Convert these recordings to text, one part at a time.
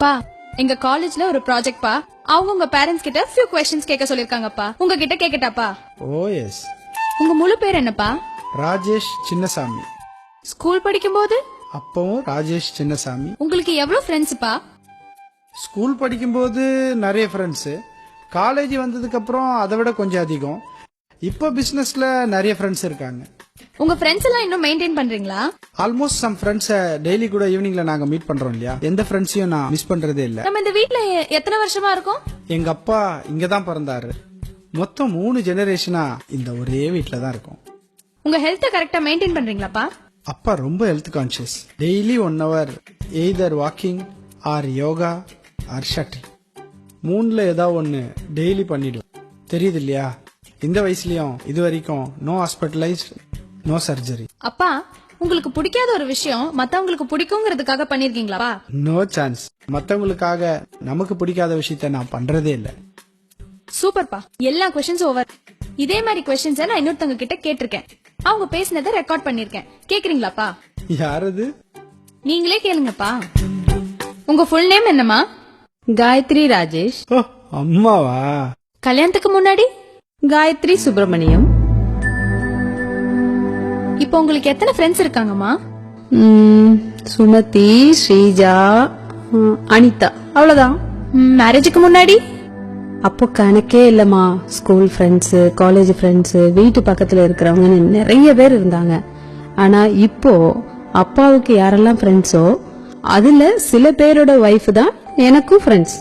பா எங்க காலேஜ்ல ஒரு ப்ராஜெக்ட் பா அவங்க உங்க பேரண்ட்ஸ் கிட்ட few questions கேட்க சொல்லிருக்காங்கப்பா. உங்ககிட்ட கேக்கட்டாப்பா? ஓ எஸ். உங்க முழு பேர் என்னப்பா? ராஜேஷ் சின்னசாமி. ஸ்கூல் படிக்கும்போது அப்பவும் ராஜேஷ் சின்னசாமி. உங்களுக்கு எவ்வளவு ஃப்ரெண்ட்ஸ்ப்பா? ஸ்கூல் படிக்கும்போது நிறைய ஃப்ரெண்ட்ஸு, காலேஜ் வந்ததுக்கு அப்புறம் அதை விட கொஞ்சம் அதிகம். இப்போ பிசினஸ்ல நிறைய ஃப்ரெண்ட்ஸ் இருக்காங்க. உங்க ஃப்ரெண்ட்ஸ் எல்லாம் இன்னும் மெயின்டைன் பண்றீங்களா? ஆல்மோஸ்ட் சம் ஃப்ரெண்ட்ஸை டெய்லி கூட ஈவினிங்ல நாங்க மீட் பண்றோம் இல்லையா, எந்த ஃப்ரெண்ட்ஸையும் நான் மிஸ் பண்றதே இல்ல. நம்ம இந்த வீட்ல எத்தனை வருஷமா இருக்கோம்? எங்க அப்பா இங்க தான் பிறந்தாரு. மொத்தம் 3 ஜெனரேஷனா இந்த ஒரே வீட்ல தான் இருக்கோம். உங்க ஹெல்த்தை கரெக்டா மெயின்டைன் பண்றீங்களாப்பா? அப்பா ரொம்ப health conscious. Daily 1 hour either walking or yoga or shuttle, 3ல ஏதாவது ஒன்று டெய்லி பண்ணிடுவோம். தெரியுது இல்லையா, இந்த வயசுலயும் இது வரைக்கும் நோ ஹாஸ்பிட்டலைஸ், நோ சர்ஜரி. அப்பா உங்களுக்கு பிடிக்காத ஒரு விஷயம் மத்தவங்களுக்கு பிடிக்குங்கிறதுக்காக பண்ணிருக்கீங்களா? No chance. மத்தவங்களுக்காக நமக்கு பிடிக்காத விஷயத்த நான் பண்றதே இல்ல. சூப்பர்ப்பா, எல்லா கொஸ்டின்ஸ் ஓவர். இதே மாதிரி கொஸ்டின்ஸ் நான் இன்னொருத்தவங்க கிட்ட கேட்டிருக்கேன். அவங்க பேசினதை ரெக்கார்ட் பண்ணிருக்கேன். கேக்குறீங்களாப்பா? யாரது? நீங்களே கேளுங்கப்பா. உங்க ஃபுல் நேம் என்னமா? காயத்ரி ராஜேஷ். ஓ அம்மாவா? கல்யாணத்துக்கு முன்னாடி? காயத்ரி சுப்பிரமணியம். இப்போ உங்களுக்கு எத்தனை ஃப்ரெண்ட்ஸ் இருக்காங்கம்மா? சுமதி, ஸ்ரீஜா, அனிதா, அவ்வளவுதான். மேரேஜுக்கு முன்னாடி? அப்போ கணக்கே இல்லம்மா. ஸ்கூல் ஃப்ரெண்ட்ஸ், காலேஜ் ஃப்ரெண்ட்ஸ், வீட்டு பக்கத்துல இருக்கிறவங்க நிறைய பேர் இருந்தாங்க. ஆனா இப்போ அப்பாவுக்கு யாரெல்லாம் ஃப்ரெண்ட்ஸோ அதுல சில பேரோட ஒய்ஃப் தான் எனக்கும் ஃப்ரெண்ட்ஸ்.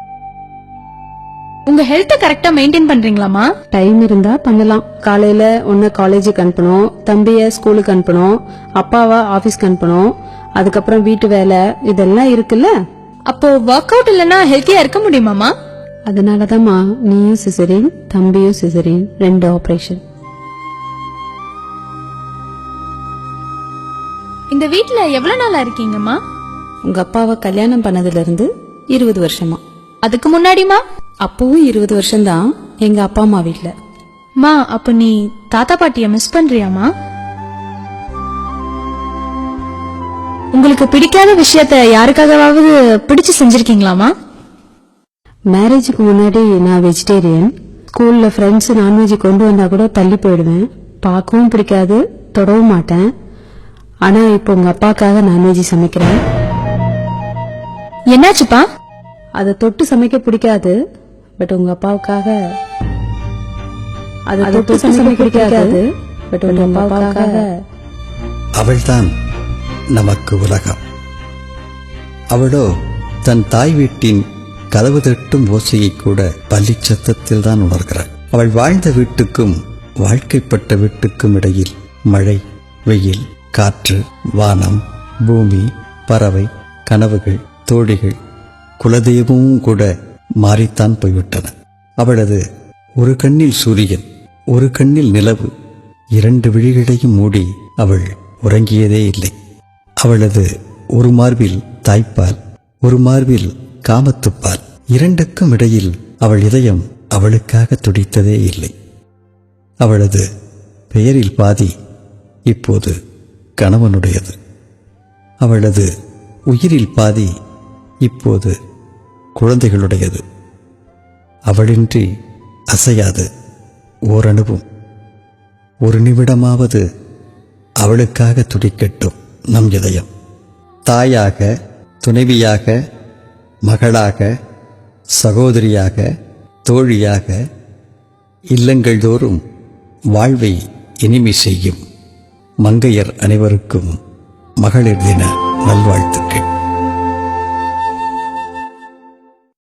உங்க ஹெல்த்தை கரெக்டா மெயின்டைன் பண்றீங்களாமா? டைம் இருந்தா பண்ணலாம். காலையில ஒன்னு காலேஜுக்கு அனுப்பணும், தம்பிய ஸ்கூலுக்கு அனுப்பணும், அப்பாவா ஆபீஸ்க்கு அனுப்பணும், அதுக்கப்புறம் வீட்டு வேலை இதெல்லாம் இருக்குல்ல. அப்போ ஒர்க் அவுட் இல்லனா ஹெல்த்தியா இருக்க முடியுமாமா? அதனாலதாம்மா நீயும் சிசரின், தம்பியும் சிசரின், 2 ஆபரேஷன். இந்த வீட்ல எவ்வளவு நாளா இருக்கீங்கம்மா? உங்க அப்பாவை கல்யாணம் பண்ணதுல இருந்து 20 வருஷமா. அதுக்கு முன்னாடிமா? அப்பவும் 20 வருஷம்தான் எங்க அப்பா அம்மா வீட்ல. மா, அப்ப நீ தாத்தா பாட்டிய மிஸ் பண்றியாமா? உங்களுக்கு பிடிக்காத விஷயத்த யாருக்காகவாவது பிடிச்சு செஞ்சிருக்கீங்களாமா? மேரேஜுக்கு முன்னாடி நான் வெஜிடேரியன். ஸ்கூல்ல ஃப்ரெண்ட்ஸ் நான்வெஜ் கொண்டு வந்தா கூட தள்ளி போயிடுவேன். பார்க்கவும் பிடிக்காது, தொடவும் மாட்டேன். ஆனா இப்போ உங்க அப்பாக்காக நான்வெஜ் சமைக்கிறேன். என்னாச்சுப்பா? அதை தொட்டு சமைக்க பிடிக்காது, பட் உங்க அப்பாவுக்காக. அதை தொட்டு சமைக்க பிடிக்காது, பட் உங்க அப்பாவுக்காக. அவள்தான் நமக்கு உலகம். அவளோ தன் தாய் வீட்டின் கதவு தட்டும் ஓசையை கூட பள்ளி சத்தத்தில் தான் உணர்கிறாள். அவள் வாழ்ந்த வீட்டுக்கும் வாழ்க்கைப்பட்ட வீட்டுக்கும் இடையில் மழை, வெயில், காற்று, வானம், பூமி, பறவை, கனவுகள், தோழிகள், குலதெய்வமும் கூட மாறித்தான் போய்விட்டன. அவளது ஒரு கண்ணில் சூரியன், ஒரு கண்ணில் நிலவு, 2 விழிகளையும் மூடி அவள் உறங்கியதே இல்லை. அவளது ஒரு மார்பில் தாய்ப்பால், ஒரு மார்பில் காமத்துப்பால், 2க்கும் இடையில் அவள் இதயம் அவளுக்காக துடித்ததே இல்லை. அவளது பெயரில் பாதி இப்போது கணவனுடையது. அவளது உயிரில் பாதி இப்போது குழந்தைகளுடையது. அவளின்றி அசையாது ஓரணுவும். ஒரு நிமிடமாவது அவளுக்காக துடிக்கட்டும் நம் இதயம். தாயாக, துணைவியாக, மகளாக, சகோதரியாக, தோழியாக இல்லங்கள் தோறும் வாழ்வை இனிமை செய்யும் மங்கையர் அனைவருக்கும் மகளிர் தின நல்வாழ்த்துக்கள்.